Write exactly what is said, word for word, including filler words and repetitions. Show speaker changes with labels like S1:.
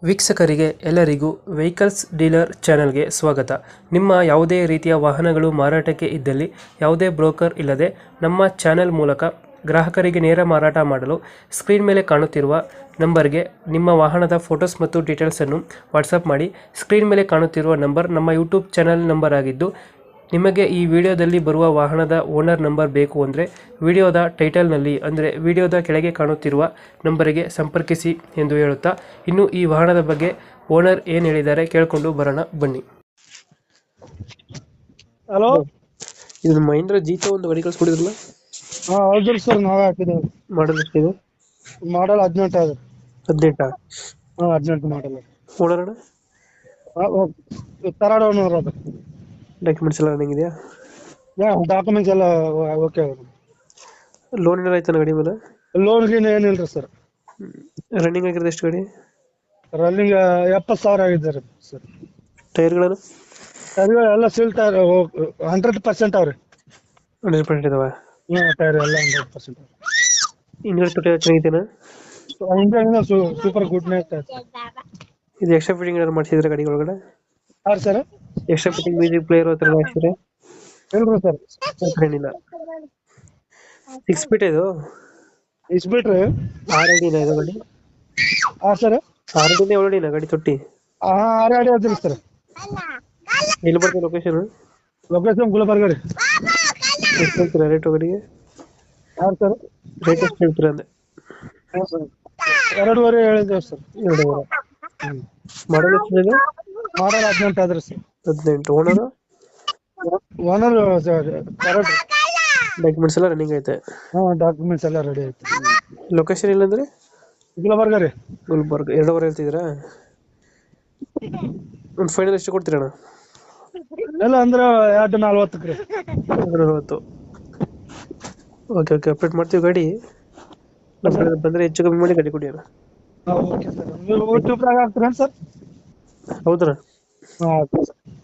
S1: ವೀಕ್ಷಕರಿಗೆ ಎಲ್ಲರಿಗೂ vehicles dealer ಚಾನೆಲ್ಗೆ ಸ್ವಾಗತ. ನಿಮ್ಮ ಯಾವುದೇ ರೀತಿಯ ವಾಹನಗಳು ಮಾರಾಟಕ್ಕೆ ಇದ್ದಲ್ಲಿ ಯಾವುದೇ ಬ್ರೋಕರ್ ಇಲ್ಲದೆ ನಮ್ಮ ಚಾನೆಲ್ ಮೂಲಕ ಗ್ರಾಹಕರಿಗೆ ನೇರ ಮಾರಾಟ ಮಾಡಲು ಸ್ಕ್ರೀನ್ ಮೇಲೆ ಕಾಣುತ್ತಿರುವ ನಂಬರ್ಗೆ ನಿಮ್ಮ ವಾಹನದ ಫೋಟೋಸ್ ಮತ್ತು ಡೀಟೇಲ್ಸನ್ನು ವಾಟ್ಸಪ್ ಮಾಡಿ. ಸ್ಕ್ರೀನ್ ಮೇಲೆ ಕಾಣುತ್ತಿರುವ ನಂಬರ್ ನಮ್ಮ ಯೂಟ್ಯೂಬ್ ಚಾನೆಲ್ ನಂಬರ್ ಆಗಿದ್ದು, ನಿಮಗೆ ಈ ವಿಡಿಯೋದಲ್ಲಿ ಬರುವ ವಾಹನದ ಓನರ್ ನಂಬರ್ ಬೇಕು ಅಂದರೆ ವಿಡಿಯೋದ ಟೈಟಲ್ನಲ್ಲಿ ಅಂದರೆ ವಿಡಿಯೋದ ಕೆಳಗೆ ಕಾಣುತ್ತಿರುವ ನಂಬರಿಗೆ ಸಂಪರ್ಕಿಸಿ ಎಂದು ಹೇಳುತ್ತಾ, ಇನ್ನು ಈ ವಾಹನದ ಬಗ್ಗೆ ಓನರ್ ಏನು ಹೇಳಿದ್ದಾರೆ ಕೇಳಿಕೊಂಡು ಬರೋಣ ಬನ್ನಿ.
S2: ಹಲೋ,
S1: ಇದು ಮಹೇಂದ್ರ ಜೀತ ಒಂದು ಗಾಡಿ ಕಳಿಸ್ಕೊಡಿದ್ರಲ್ಲ,
S2: ಹಾ ಹೌದ್ರಿ ಸರ್, ನಾವೇ ಹಾಕಿದ್ದೇವೆ.
S1: ಮಾಡಲ್ ಎಷ್ಟಿದೆ?
S2: ಮಾಡಲ್ ಹದಿನೆಂಟು ಅದ.
S1: ಹದಿನೆಂಟ
S2: ಹಾ ಹದಿನೆಂಟು ಮಾಡಲ್.
S1: ಓನರ್ ಅಣ್ಣ?
S2: ತರಾಡ ಓನರ್ ಅದ.
S1: ಡಾಕ್ಯುಮೆಂಟ್ಸ್ ಎಲ್ಲ ರನ್ನಿಂಗ್ ಇದೆಯಾ?
S2: ಡಾಕ್ಯುಮೆಂಟ್ಸ್ ಎಲ್ಲ ಓಕೆ.
S1: ಲೋನ್ ಏನಾರ ಆಯ್ತಾನ ಗಾಡಿ ಮೇಲೆ?
S2: ಲೋನ್ ಗೀನ್ ಏನಿಲ್ರಿ ಸರ್.
S1: ರನ್ನಿಂಗ್ ಆಗಿರೋದು ಎಷ್ಟು ಗಾಡಿ?
S2: ರನ್ನಿಂಗ್ ಎಪ್ಪತ್ತು ಸಾವಿರ ಆಗಿದ್ದಾರೆ ಸರ್.
S1: ಟೈರ್ಗಳನ್ನು
S2: ಟೈರ್ ಎಲ್ಲ ಸೀಲ್ ಟೈರ್ ಹಂಡ್ರೆಡ್ ಪರ್ಸೆಂಟ್ ಅವ್ರಿ.
S1: ಹಂಡ್ರೆಡ್ ಪರ್ಸೆಂಟ್ ಇದಾವೆ?
S2: ಹ್ಮ್, ಟೈರ್ ಎಲ್ಲ ಹಂಡ್ರೆಡ್ ಪರ್ಸೆಂಟ್.
S1: ಹಿಂದ್ಗಡೆ ತೊಟ್ಟಿ ಚೆನ್ನಾಗಿದೆನಾ?
S2: Engine super good night.
S1: ಇದು ಎಕ್ಸ್ಟ್ರಾ ಫಿಟ್ಟಿಂಗ್ ಏನಾದ್ರು ಮಾಡಿಸಿದ್ರೆ ಗಾಡಿ ಒಳಗಡೆ?
S2: ಹಾಂ sir.
S1: Extra fitting music player ಹತ್ರ ಹಾಕ್ಸಿದ್ರೆ?
S2: ಇಲ್ರಿ ಸರ್,
S1: ಏನಿಲ್ಲ. ಸಿಕ್ಸ್ ಫೀಟ್ ಇದು?
S2: ಇಸ್ ಬಿಟ್ರಿ
S1: ಆರ್ ಅಡಿನ ಇದು ಗಾಡಿ?
S2: ಹಾಂ ಸರ್.
S1: ಆರ್ ಅಡಿನ ಏಳು ಅಡಿನ ಗಾಡಿ ತೊಟ್ಟಿ?
S2: ಹಾಂ ಆರು ಅಡಿ ಅದ್ರಿ ಸರ್.
S1: ಎಲ್ಲಿ ಬರ್ತದೆ ಲೊಕೇಶನ್?
S2: ಲೊಕೇಶನ್ ಗುಲ್ಬರ್ಗ ರೀ.
S1: ಎಷ್ಟು ಹೇಳ್ತೀರಾ ರೇಟು ಗಾಡಿಗೆ?
S2: ಹಾಂ ಸರ್.
S1: ರೇಟ್ ಎಷ್ಟು ಹೇಳ್ತೀರಾ ಅಂದೆ?
S2: ಎರಡೂವರೆ ಹೇಳಿದ್ದೇವೆ ಸರ್.
S1: ಎರಡೂವರೆ. ಮಾಡಲ್ ಎಷ್ಟಿದೆ?
S2: ಮಾಡಲ್ ಹದಿನೆಂಟು ಆದ್ರಿ ಸರ್.
S1: ಹದಿನೆಂಟು. ಓನರು?
S2: ಓನರ್ ಎರಡು.
S1: ಡಾಕ್ಯುಮೆಂಟ್ಸ್ ಎಲ್ಲ ರನ್ನಿಂಗ್ ಐತೆ?
S2: ಹಾಂ, ಡಾಕ್ಯುಮೆಂಟ್ಸ್ ಎಲ್ಲ ರೆಡಿ ಐತಿ.
S1: ಲೊಕೇಶನ್ ಇಲ್ಲಂದ್ರೆ?
S2: ಗುಲ್ಬರ್ಗ ರೀ.
S1: ಗುಲ್ಬರ್ಗ. ಎರಡೂವರೆ ಹೇಳ್ತಿದ್ದೀರಾ? ಒಂದು ಫೈನಲ್ ಎಷ್ಟು ಕೊಡ್ತೀರಣ್ಣ?
S2: ಎಲ್ಲ ಅಂದ್ರೆ ಎರಡು ನಲ್ವತ್ತಕ್ಕೆ ರೀ.
S1: ಎರಡು ನಲ್ವತ್ತು. ಓಕೆ ಓಕೆ, ಅಪ್ಡೇಟ್ ಮಾಡ್ತೀವಿ ಗಾಡಿ. ನಮ್ಮ ಕಡೆ ಬಂದರೆ ಹೆಚ್ಚು ಕಮ್ಮಿ ಮಾಡಿ ಗಾಡಿ ಕೊಡಿ ಅಣ್ಣ.
S2: ಹಾಂ ಓಕೆ ಸರ್. ನೀವು ಯೂಟ್ಯೂಬ್ನಾಗ ಹಾಕ್ತೀರೇನು ಸರ್?
S1: ಹೌದಣ್ಣ.
S2: ಹಾಂ ಓಕೆ ಸರ್.